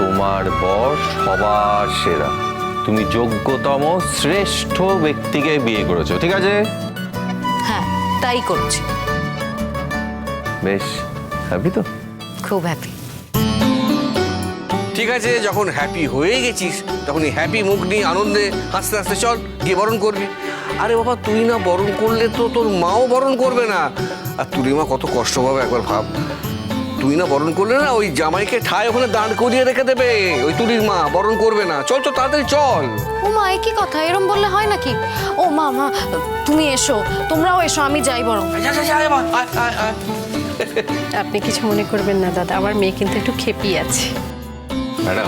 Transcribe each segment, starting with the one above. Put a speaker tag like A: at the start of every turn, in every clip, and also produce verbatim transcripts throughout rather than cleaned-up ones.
A: তোমার বর সবার সেরা, তুমি যোগ্যতম শ্রেষ্ঠ ব্যক্তিকে বিয়ে করেছো, ঠিক আছে?
B: হ্যাঁ, তাই করছি।
A: বেশ হ্যাপি তো?
B: খুব হ্যাপি।
C: ঠিক আছে, যখন হ্যাপি হয়ে গেছিস তখন এই হ্যাপি মুখ নিয়ে আনন্দে হাসতে হাসতে চল গিয়ে বরণ করবি। আরে বাবা, তুই না বরণ করলে তো তোর মাও বরণ করবে না, আর তুই মা কত কষ্ট পাবে একবার ভাব। তুই না বরণ করলে না ওই জামাইকে ঠায় ওখানে দাঁড় করিয়ে রেখে দেবে, ওই তুলির মা বরণ করবে না। চল চল তাড়াতাড়ি চল।
B: ও মা, এ কি কথা? এরম বললে হয় নাকি? ও মা, মা তুমি এসো, তোমরাও এসো, আমি যাই বরং।
D: আপনি কিছু মনে করবেন না দাদা, আমার মেয়ে কিন্তু একটু খেপি আছে।
A: ম্যাডাম,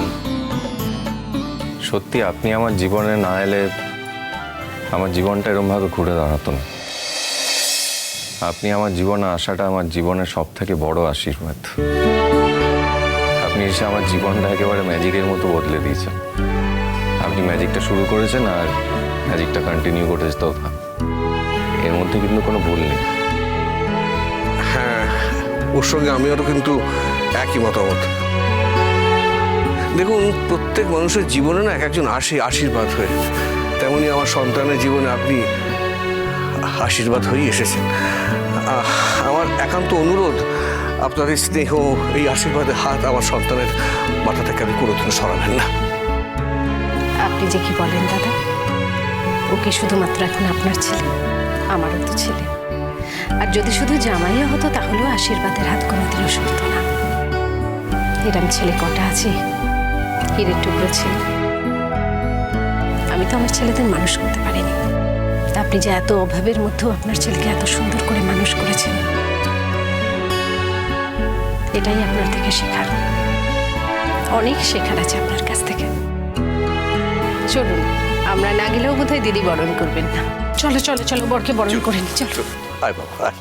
A: সত্যি আপনি আমার জীবনে না এলে আমার জীবনটা এরমভাবে ঘুরে দাঁড়াতো না। আপনি আমার জীবনে আসাটা আমার জীবনের সব থেকে বড় আশীর্বাদ। আপনি এসে আমার জীবনটা একেবারে ম্যাজিকের মতো বদলে দিয়েছেন। আপনি ম্যাজিকটা শুরু করেছেন আর ম্যাজিকটা কন্টিনিউ করেছে, তো এর মধ্যে কিন্তু কোনো ভুল নেই।
C: হ্যাঁ, ওর সঙ্গে আমিও কিন্তু একই মতামত। দেখুন, প্রত্যেক মানুষের জীবনে না এক একজন আসে আশীর্বাদ হয়ে, তেমনি আমার সন্তানের জীবনে আপনি আশীর্বাদ হয়েই এসেছেন। আমার একান্ত অনুরোধ, আপনার এই স্নেহ, এই আশীর্বাদের হাত আমার সন্তানের মাথা থেকে আমি কোনোদিনও সরাবেন না।
D: আপনি যে কি বলেন দাদা, ওকে শুধুমাত্র এখন আপনার ছেলে, আমারও তো ছেলে। আর যদি শুধু জামাইও হতো তাহলেও আশীর্বাদের হাত কোনোদিনও সরত না। এরম ছেলে কটা আছে, হীরের টুকরো ছেলে। আমি তো আমার ছেলেদের মানুষ করতে পারিনি, আপনি যে এত অভাবের মধ্যেও আপনার ছেলেকে এত সুন্দর করে মানুষ করেছেন, এটাই আপনার থেকে শেখার। অনেক শেখার আছে আপনার কাছ থেকে। চলুন, আমরা না গেলেও বোধহয় দিদি বরণ করবেন না। চলো চলো চলো, বরকে বরণ করে নি। চলো।
C: আয় বাবা, আয়।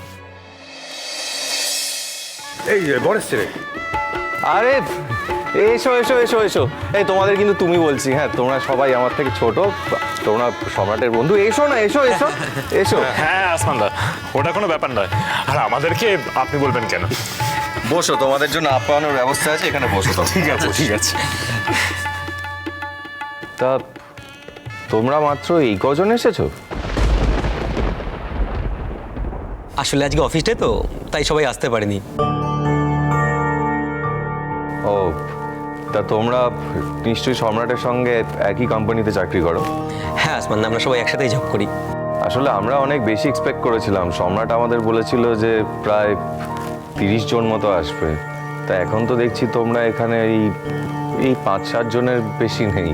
E: এই যে বরের ছেলে।
A: আরে এসো এসো এসো এসো, এই তোমাদের কিন্তু তুমি বলছি, হ্যাঁ তোমরা সবাই আমার থেকে ছোট, তোমরা সম্রাটের বন্ধু, এসো না, এসো এসো এসো।
E: হ্যাঁ আসমান দা, ওটা কোনো ব্যাপার নয়। আর আমাদেরকে আপনি বলবেন কেন?
A: বসো, তোমাদের জন্য আপ্যায়নের ব্যবস্থা আছে, এখানে বসো।
E: ঠিক আছে ঠিক আছে।
A: তা তোমরা মাত্র এই কজন এসেছো?
F: আসলে আজকে অফিস ডে তো, তাই সবাই আসতে পারেনি।
A: ও, তা তোমরা নিশ্চয়ই সম্রাটের সঙ্গে একই কোম্পানিতে চাকরি করো?
F: হ্যাঁ আসমান, আমরা সবাই একসাথেই জব করি।
A: আসলে আমরা অনেক বেশি এক্সপেক্ট করেছিলাম। সম্রাট আমাদের বলেছিল যে প্রায় তিরিশ জন মতো আসবে, তা এখন তো দেখছি তোমরা এখানে এই এই পাঁচ সাত জনের বেশি নেই।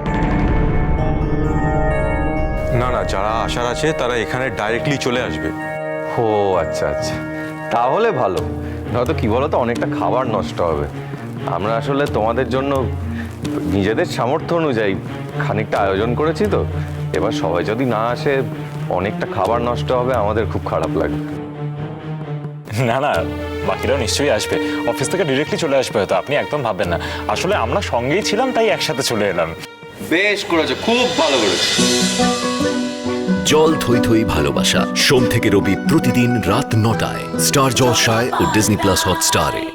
G: না না, যারা আসার আছে তারা এখানে ডাইরেক্টলি চলে আসবে।
A: ও আচ্ছা আচ্ছা, তাহলে ভালো। নয়তো কি বলো তো, অনেকটা খাবার নষ্ট হবে। আমরা আসলে তোমাদের জন্য নিজেদের সামর্থ্য অনুযায়ী খানিকটা আয়োজন করেছি, তো এবার সবাই যদি না আসে অনেকটা খাবার নষ্ট হবে, আমাদের খুব খারাপ লাগবে।
E: না না, বাকিরাও নিশ্চয়ই আসবে, অফিস থেকে ডিরেক্টলি চলে আসবে হয়তো, আপনি একদম ভাববেন না। আসলে আমরা সঙ্গেই ছিলাম তাই একসাথে চলে এলাম।
A: বেশ করেছো, খুব ভালো করেছো।
H: জল থই থই ভালোবাসা, সোম থেকে রবি প্রতিদিন রাত নটায় স্টার জলসায় ও ডিজনি প্লাস হটস্টারে।